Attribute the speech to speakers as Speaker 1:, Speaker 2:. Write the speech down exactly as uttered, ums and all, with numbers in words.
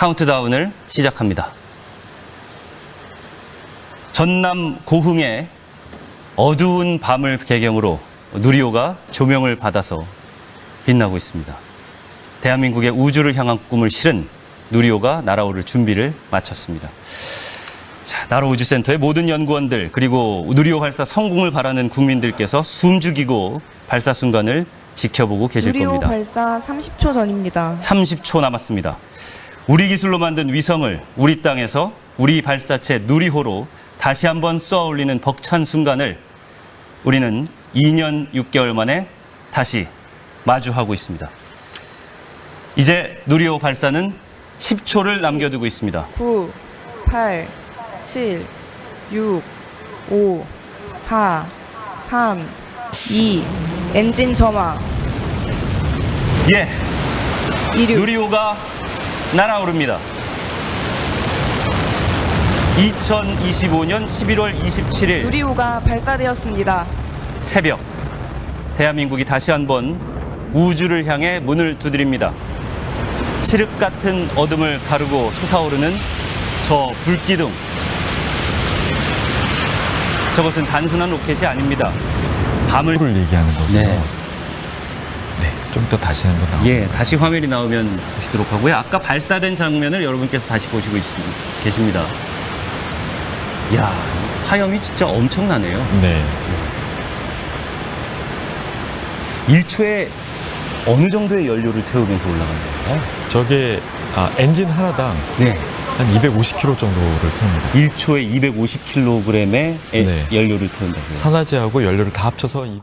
Speaker 1: 카운트다운을 시작합니다. 전남 고흥의 어두운 밤을 배경으로 누리호가 조명을 받아서 빛나고 있습니다. 대한민국의 우주를 향한 꿈을 실은 누리호가 날아오를 준비를 마쳤습니다. 자, 나로우주센터의 모든 연구원들 그리고 누리호 발사 성공을 바라는 국민들께서 숨죽이고 발사 순간을 지켜보고 계실
Speaker 2: 누리호
Speaker 1: 겁니다.
Speaker 2: 발사 삼십 초 전입니다.
Speaker 1: 삼십 초 남았습니다. 우리 기술로 만든 위성을 우리 땅에서 우리 발사체 누리호로 다시 한번 쏘아 올리는 벅찬 순간을 우리는 이 년 육 개월 만에 다시 마주하고 있습니다. 이제 누리호 발사는 십 초를 남겨두고 있습니다.
Speaker 2: 구, 팔, 칠, 육, 오, 사, 삼, 이, 엔진 점화,
Speaker 1: 예,
Speaker 2: 이륙.
Speaker 1: 누리호가 날아오릅니다. 이천이십오 년 십일월 이십칠일
Speaker 2: 누리호가 발사되었습니다.
Speaker 1: 새벽, 대한민국이 다시 한번 우주를 향해 문을 두드립니다. 칠흑 같은 어둠을 가르고 솟아오르는 저 불기둥. 저것은 단순한 로켓이 아닙니다. 밤을
Speaker 3: 를 얘기하는 거고요.
Speaker 1: 네.
Speaker 3: 네, 좀 더 다시 한번 나오고.
Speaker 1: 예, 다시 화면이 나오면 보시도록 하고요. 아까 발사된 장면을 여러분께서 다시 보시고 있, 계십니다. 이야, 화염이 진짜 엄청나네요.
Speaker 3: 네.
Speaker 1: 일 초에 어느 정도의 연료를 태우면서 올라가는 거예요?
Speaker 3: 저게 아, 엔진 하나당
Speaker 1: 네.
Speaker 3: 한 이백오십 킬로그램 정도를 태웁니다.
Speaker 1: 일 초에 이백오십 킬로그램의
Speaker 3: 네.
Speaker 1: 연료를 태운다고요.
Speaker 3: 산화제하고 연료를 다 합쳐서